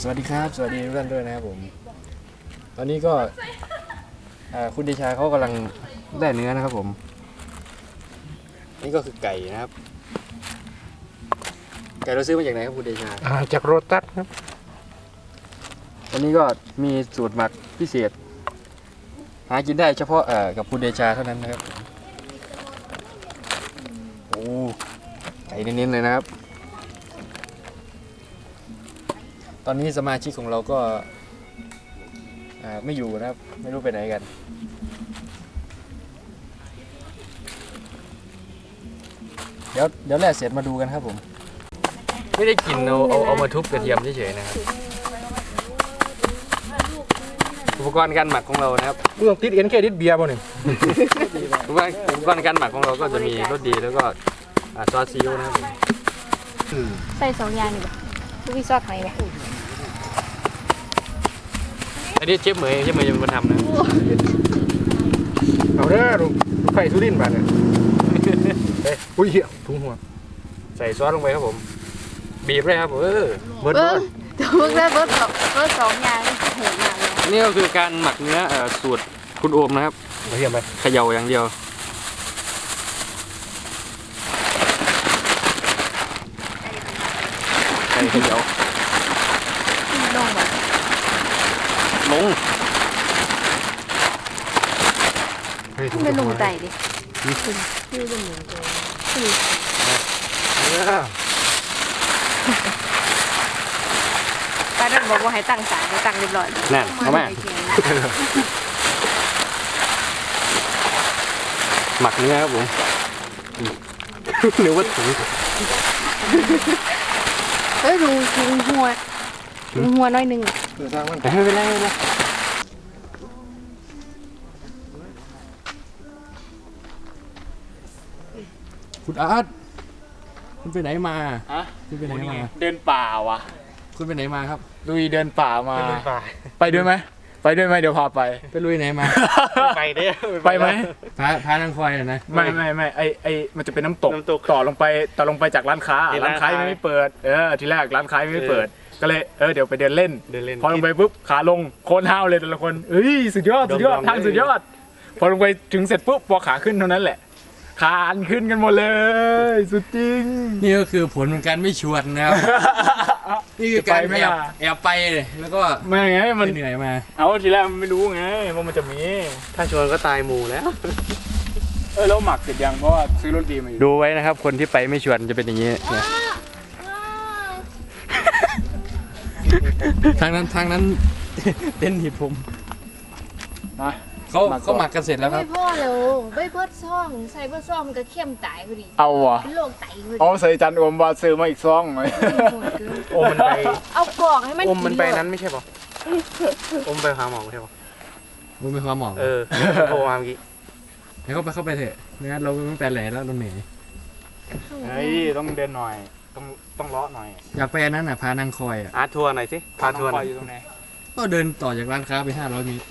วัสดีครับสวัสดีทุกท่านด้วยนะครับผมตอนนี้ก็คุณเดชาเขากำลังได้เนื้อนะครับผมนี่ก็คือไก่นะครับไก่เราซื้อมาจากไหนครับคุณเดชาจากโรตัสครับวันนี้ก็มีสูตรหมักพิเศษหากินได้เฉพาะกับคุณเดชาเท่านั้นนะครับโอ้ไก่เน้นๆเลยนะครับตอนนี้สมาชิกของเราก็ไม่อยู่นะครับไม่รู้ไปไหนกันเดี๋ยวแล่เสร็จมาดูกันครับผมไม่ได้กินเอามาทุบกระเทียมเฉยๆนะครับอุปกรณ์การหมักของเรานะครับกูต้องติดเอ็นแค่ติดเบียร์ป่ะนี่อุปกรณ์การหมักของเราก็จะมีรสดีแล้วก็ซอสซีอิ๊วนะครับใส่2 อย่างนี่บ่ลูกพี่ซอสไหนบ่อันนี้เชฟเหมยจะเป็นคนทำนะเอาเด้อลูกไข่สุรินทร์บ้านเนี่ยอุ้ยถุงหัวใส่ซอสลงไปครับผมบีบเลยครับเบิร์ดจะเบิร์ดได้เบิร์ด2 อย่างโหดมากเลยนี่ก็คือการหมักเนื้อสูตรคุณโอมนะครับกระเทียมไปเขย่าอย่างเดียวใส่เขย่าลงแบบลงไม่ลงใจดิชื่อเป็นเหมือนกันป้าดันบอกว่าให้ตั้งสายให้ตั้งเรียบร้อยนั่นเอามาหมักเนื้อครับผมเนื้อวัตถุดูหัวน้อยนึงไม่เป็นไรคุณอาร์ตคุณไปไหนมาคุณไปไหนมาเดินป่าวะคุณไปไหนมาครับลุยเดินป่ามาไปด้วยไหมเดี๋ยวพาไปลุยไหนมาไปเด้ไปไหมพานางคอยนะไม่ไอมันจะเป็นน้ำตกต่อลงไปจากร้านค้ายังไม่เปิดทีแรกร้านค้าไม่เปิดก็เลยเดี๋ยวไปเดินเล่นพอลงไปปุ๊บขาลงโคนห้าวเลยแต่ละคนสุดยอดทางสุดยอดพอลงไปถึงเสร็จปุ๊บพอขาขึ้นเท่านั้นแหละคานขึ้นกันหมดเลยสุดจริงนี่ก็คือผลของการไม่ชวนนะครับนี่คือการแอบไปแล้วก็ไม่ไงมันเหนื่อยมาเอาทีแรกมันไม่รู้ไงว่ามันจะมีถ้าชวนก็ตายหมู่แล้วแล้วหมักเสร็จยังเพราะว่าซื้อรถดีมาอยู่ดูไว้นะครับคนที่ไปไม่ชวนจะเป็นอย่างนี้ทางนั้นเต้นหิดผมเขาหมักกันเสร็จแล้วครับไม่พ่อเลยไม่เบิร์ดซ่องใส่เบิร์ดซ่องมันก็เข้มตายพอดีเอาวะเป็นโรคไตพอดีใส่จันอมว่าซื้อมาอีกซองเลยอมมันไปเอากล่องให้มันอมมันไปนั้นไม่ใช่ป่ะอมไปหาหมอไม่ใช่ป่ะมึงไปหาหมอโทรมาเมื่อกี้ให้เข้าไปเถอะงั้นเราต้องไปแหล่แล้วเราเหนื่อยต้องเดินหน่อยต้องเลาะหน่อยอยากไปอันนั้นพานางคอยทัวร์หน่อยสิพาทัวร์อยู่ตรงไหนก็เดินต่อจากร้านค้าไป500 เมตร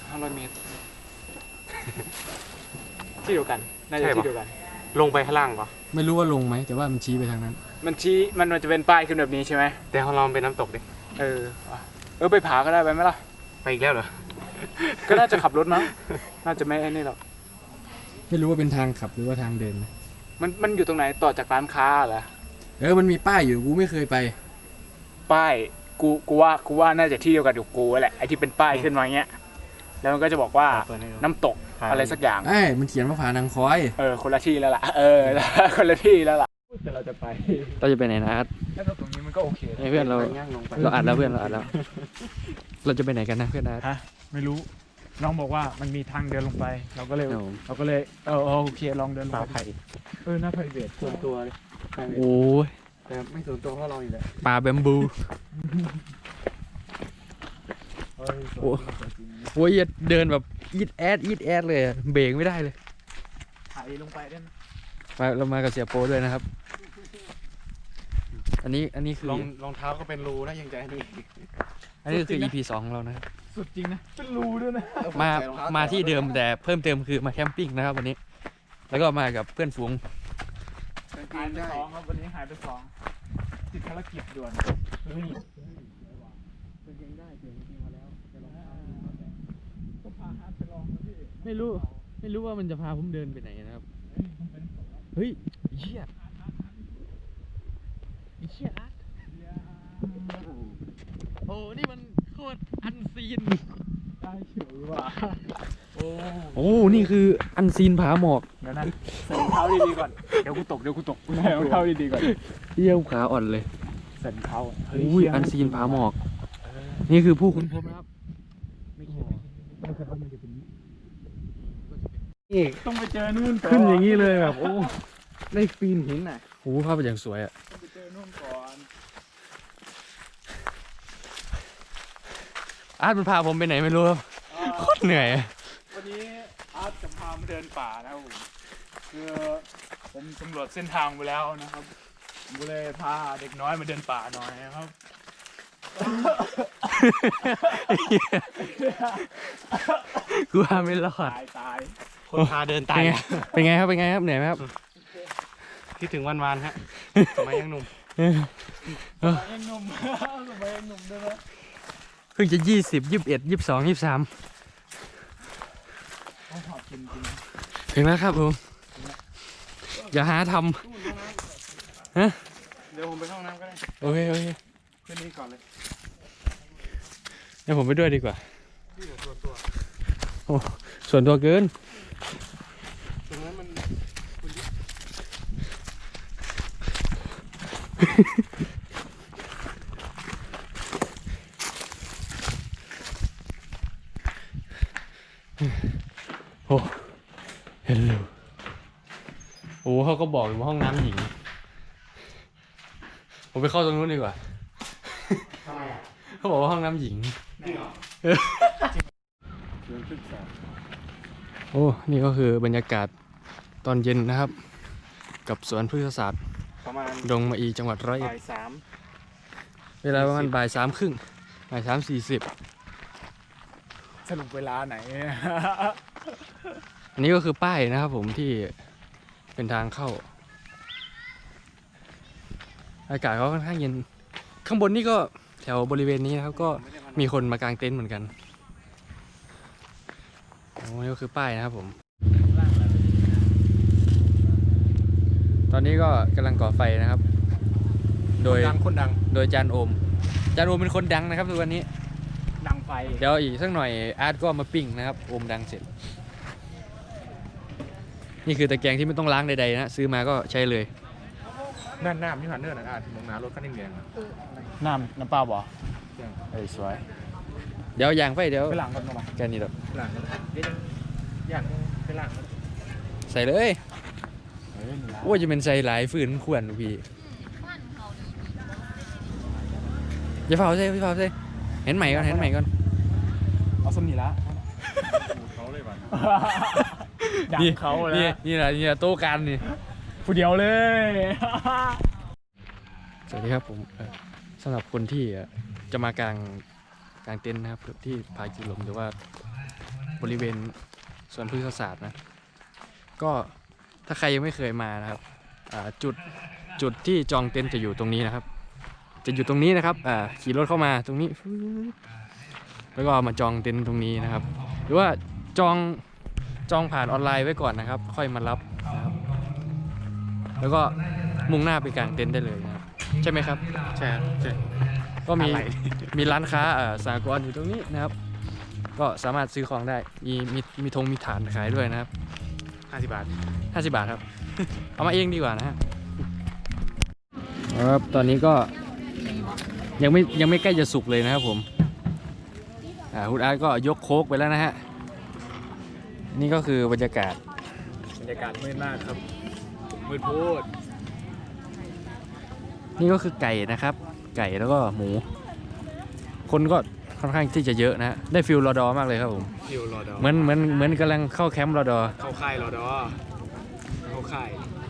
ที่เดียวกันน่าจะที่เดียวกันลงไปข้างล่างปะไม่รู้ว่าลงไหมแต่ว่ามันชี้ไปทางนั้นมันชี้มันจะเป็นป้ายขึ้นแบบนี้ใช่ไหมแต่ของเราเป็นน้ำตกดิไปผาก็ได้ไปไหมล่ะไปอีกแล้วเหรอก็น่าจะขับรถมั้งน่าจะไม่ไอ้นี่หรอกไม่รู้ว่าเป็นทางขับหรือว่าทางเดินมันอยู่ตรงไหนต่อจากร้านค้าเหรอมันมีป้ายอยู่กูไม่เคยไปป้ายกูว่าน่าจะที่เดียวกันกับกูแหละไอ้ที่เป็นป้ายขึ้นมาเงี้ยแล้วมันก็จะบอกว่าน้ำตกอะไรสักอย่างมันเขียนว่าผานางคอยคนละที่แล้วล่ะคนละที่แล้วล่ะแต่เราจะไปไหนนะแล้วตรงนี้มันก็โอเคเพื่อนเราอัดแล้วเราจะไปไหนกันนะเพื่อนนะไม่รู้น้องบอกว่ามันมีทางเดินลงไปเราก็เลยโอเคลองเดินลงไปหน้าไผ่เบสส่วนตัวโอ้ยแต่ไม่ส่วนตัวเพราะเราอยู่แหละป่าแบมบูโอ้ยเดินแบบอีดแอดเลยเบรกไม่ได้เลยถ่ายลงไปได้ไหมเรามากับเสียโปด้วยนะครับอันนี้คือรองเท้าก็เป็นรูนะยังใจอันนี้คือ EP 2ของเรานะครับสุดจริงนะเป็นรูด้วยนะมาที่เดิมแต่เพิ่มเติมคือมาแคมปิ้งนะครับวันนี้แล้วก็มากับเพื่อนฝูงหายไป2ครับวันนี้หายไป2ติดภารกิจด่วนไม่รู้ว่ามันจะพาผมเดินไปไหนนะครับเฮ้ยเหี้ยอาร์ตโอ้นี่มันโคตรอันซีนได้เฉยว่ะโอ้นี่คืออันซีนผาหมอกเดี๋ยวนะใส่รองเท้าดีๆก่อนเดี๋ยวกูตกใส่รองเท้าดีๆก่อนเยี่ยวขาอ่อนเลยใส่รองเท้าอุ้ยอันซีนผาหมอก นี่คือผู้ค้นพบนะครับต้องไปเจอนู่นก่อนขึ้นอย่างนี้เลยแบบโอ้ได้ปีนหินอ่ะโอ้ภาพเป็นอย่างสวยอ่ะต้องไปเจอนู่นก่อนอาร์ตมันพาผมไปไหนไม่รู้ครับโคตรเหนื่อยอะวันนี้อาร์ตจะพามาเดินป่านะครับผมคือผมสำรวจเส้นทางไปแล้วนะครับผมก็เลยพาเด็กน้อยมาเดินป่าหน่อยนะครับกูพาไม่รอดตายคนพาเดินตายเป็นไงครับเหนื่อยไหมครับคิดถึงวันๆฮะสมัยยังหนุ่มสมัยยังหนุ่มด้วยนะเพิ่งจะ20 21 22 23 ต้องหอบจริงถึงแล้วครับผมอย่าหาทเดี๋ยวผมไปเข้าห้องน้ำก็ได้ำโอเคขึ้นนี้ก่อนเลยเดี๋ยวผมไปด้วยดีกว่าที่เหลือตัวโอ้ส่วนตัวเกินตรงนั้นมันโอ้เฮลโลโอ้เขาก็บอกอยู่ว่าห้องน้ำหญิง ผมไปเข้าตรงนู้นดีกว่าทำไมอ่ะเขาบอกว่าห้องน้ำหญิงนี่เหรอโอ้ นี่ก็คือบรรยากาศตอนเย็นนะครับ กับสวนพฤกษศาสตร์ประมาณดงมะอีจังหวัดร้อยเอ็ดบ่าย 3 เวลาประมาณบ่าย3:30บ่าย3:40 สรุปเวลาไหนอันนี้ก็คือป้ายนะครับผมที่เป็นทางเข้า อากาศก็ค่อนข้างเย็น ข้างบนนี่ก็แถวบริเวณนี้นะครับก็มีคนมากางเต็นท์เหมือนกันโอ้นี่ก็คือป้ายนะครับผม ตอนนี้ก็กำลังก่อไฟนะครับ โดยคนดังโดยจานโอมเป็นคนดังนะครับทุกวันนี้ดังไฟเดี๋ยวอีกสักหน่อยอาร์ตก็มาปิ้งนะครับโอมดังเสร็จ นี่คือตะแกรงที่ไม่ต้องล้างใดๆนะซื้อมาก็ใช้เลยนั่นน้ำที่ผ่านเนินน่ะมองหน้ารถคันแดงๆอ่ะน้ำเปล่าบ่เอ้ยสวยเดี๋ยวอย่างไฟเดี๋ยวไปหลังกันมาแค่นี้หรอกหลังอย่างไปหลังใส่เลยโอ้ยจะเป็นใส่หลายฝืนขวนพี่อย่าเผาใส่เห็นใหม่ก่อนเอาสมนีละเขาเลยบ้างดังเขาแล้วนี่แหละโต๊ะกันนี่ผู้เดียวเลยสวัสดีครับผมสำหรับคนที่จะมากางเต็นท์นะครับที่ผากิลมหรือว่าบริเวณสวนพฤกษศาสตร์นะก็ถ้าใครยังไม่เคยมานะครับจุดที่จองเต็นท์จะอยู่ตรงนี้นะครับ จะอยู่ตรงนี้นะครับขี่รถเข้ามาตรงนี้แล้วก็มาจองเต็นท์ตรงนี้นะครับ หรือว่าจองผ่านออนไลน์ไว้ก่อนนะครับ ค่อยมารับนะครับแล้วก็มุ่งหน้าไปกางเต็นท์ได้เลยนะครับใช่ไหมครับใช่ครับใช่ก็มีร้านค้าสหกรณ์อยู่ตรงนี้นะครับ ก็สามารถซื้อของได้มีธงมีฐานขายด้วยนะครับ 50 บาท 50 บาทครับ เอามาเองดีกว่านะฮะครับตอนนี้ก็ยังไม่ใกล้จะสุกเลยนะครับผมคุณอาร์ตก็ยกโค้กไปแล้วนะฮะนี่ก็คือบรรยากาศบรรยากาศมืดมากครับมืดพูดนี่ก็คือไก่นะครับ ไก่แล้วก็หมู คนก็ค่อนข้างที่จะเยอะนะได้ฟิลรอดอมากเลยครับผมอยู่รอดอเหมือนกำลังเข้าแคมป์รอดอเข้าค่ายรอดอเข้าค่าย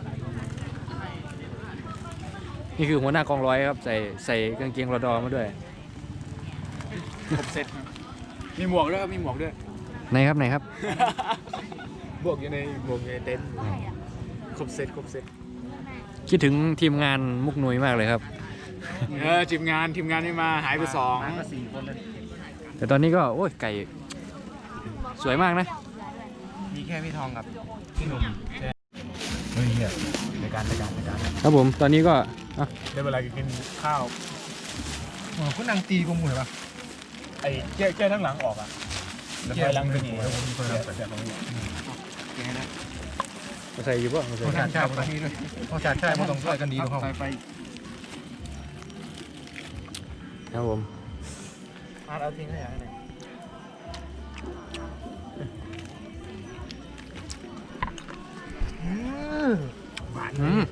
นี่คือหัวหน้ากองร้อยครับใส่กางเกงรอดอมาด้วยครบเซ็ตมีหมวกด้วยครับมีหมวกด้วยไหนครับบวกอยู่ในเต็นท์ครบเซ็ตคิดถึงทีมงานมุกนุยมากเลยครับทีมงานไม่มาหายไป2 มาก็4 คนเลยแต่ตอนนี้ก็โอ้ยไก่สวยมากนะมีแค่พี่ทองกับพี่หนุ่มเฮ้ยเฮียในการครับผมตอนนี้ก็อ่ะได้เวลากินข้าวคุณนางตีกูหมู่ปะไอ้แก้ทั้งหลังออกอ่ะแล้วไฟลังเป็นหัวผมเคยรับแต่ของมาใส่อยู่ป่ะมาใส่พ่อชาติชาติต้องพ่อชาติชาติพ่อต้องช่วยกันดีทุกห้องครับผมเอาทิ้งให้ไหนอืม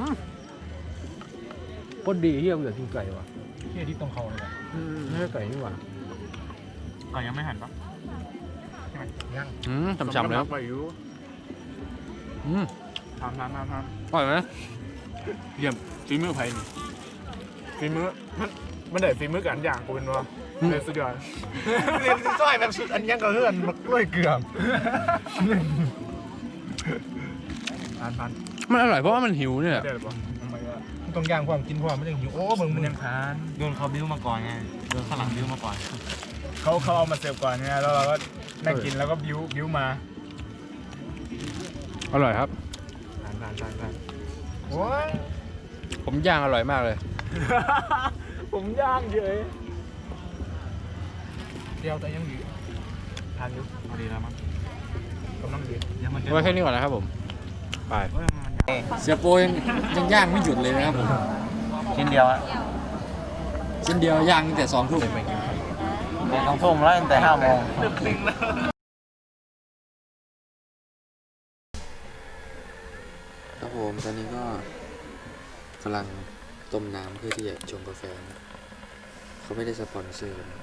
โคตรดีเฮียเบื่อกินไก่ว่ะเฮียที่ตรงเขาเลยไม่ใช่ไก่นี่หว่าก่อนยังไม่หันปะยังฉ่ำๆแล้วไปอยู่ ทำอร่อยไหมเยี่ยมฝีมือไผ่นี่ฝีมือมันได้ฝีมือกันอย่างกูเป็นวะเลยสุดยอดเรียนซอยแบบสุดอันยังก็เฮือนมักกล้วยเกลือพันมันอร่อยเพราะว่ามันหิวเนี่ยเดี๋ยวปะต้องย่างความกินความไม่ได้หิวโอ้เบิ่งมัมึนงยังทานโดนเขาบิ้วมาก่อนไง โดนข้างหลังบิ้วมาก่อนเขาเอามาเสิร์ฟก่อนไงแล้วเราก็นั่งกินแล้วก็บิ้วมาอร่อยครับผ่านโอ้ยผมย่างอร่อยมากเลยผมย่างเฉยเดียวแต่ยังอยู่ทานอยู่พอดีแล้วมั้งกำลังดียังมันไว้แค่นี้ก่อนนะครับผมไปเสียโปยังย่างไม่หยุดเลยนะครับผมชิ้นเดียวอะชิ้นเดียวย่างตั้งแต่2 ทุ่มต้องทุ่มแล้วตั้งแต่5 โมงครับผมตอนนี้ก็กำลังต้มน้ำเพื่อที่จะชงกาแฟนะเขาไม่ได้สปอนเซอร์นะ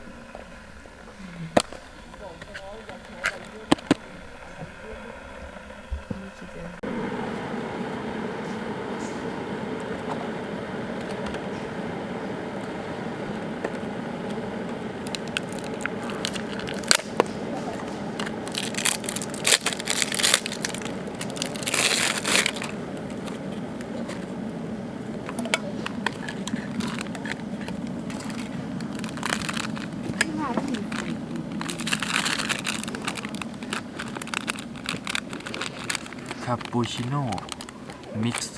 คาปูชิโน่มิกซ์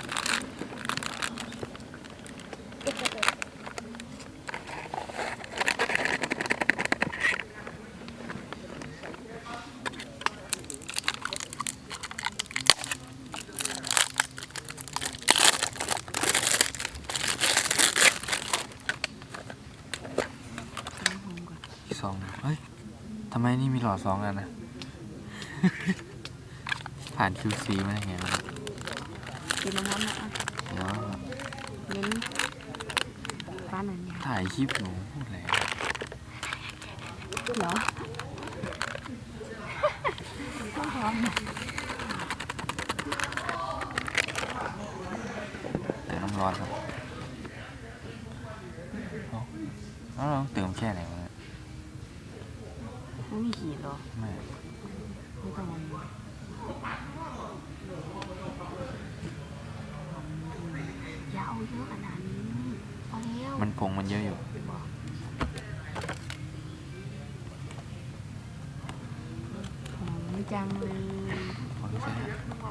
2เฮ้ยทำไมนี่มีหลอด2 อันนะ ผ่าน QC มาได้ไงวะกินน้ำมันนะเดี๋ยวเน้นบ้านนั้นเนี่ยถ่ายคลิปหนูพูดอะไรเหรอต้องพร้อมนะแต่น้ำร้อนครับแล้วเราเติมแค่ไหนวะเนี่ยไม่มีขีดหรอไม่ไม่ต้องมันอย่าเอาเยอะขนาดนี้เอาแล้วมันผงมันเยอะอยู่หอมจังเลยพอที่จะ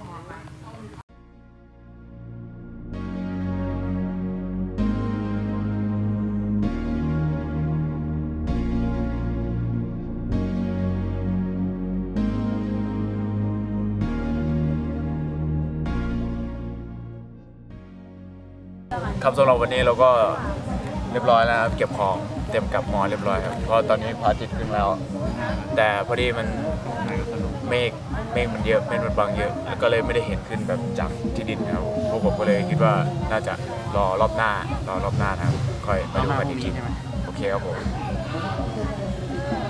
ครับสำหรับวันนี้เราก็เรียบร้อยแล้วครับเก็บของเต็มกับหมอเรียบร้อยครับเพราะตอนนี้พระอาทิตย์ขึ้นแล้ว แต่พอดีมันเมฆมันเยอะเมฆมันบางเยอะแล้วก็เลยไม่ได้เห็นขึ้นแบบจากที่ดินนะครับพวกผมก็เลยคิดว่าน่าจะรอรอบหน้านะครับค่อยมาดูกันอีกทีโอเคครับผม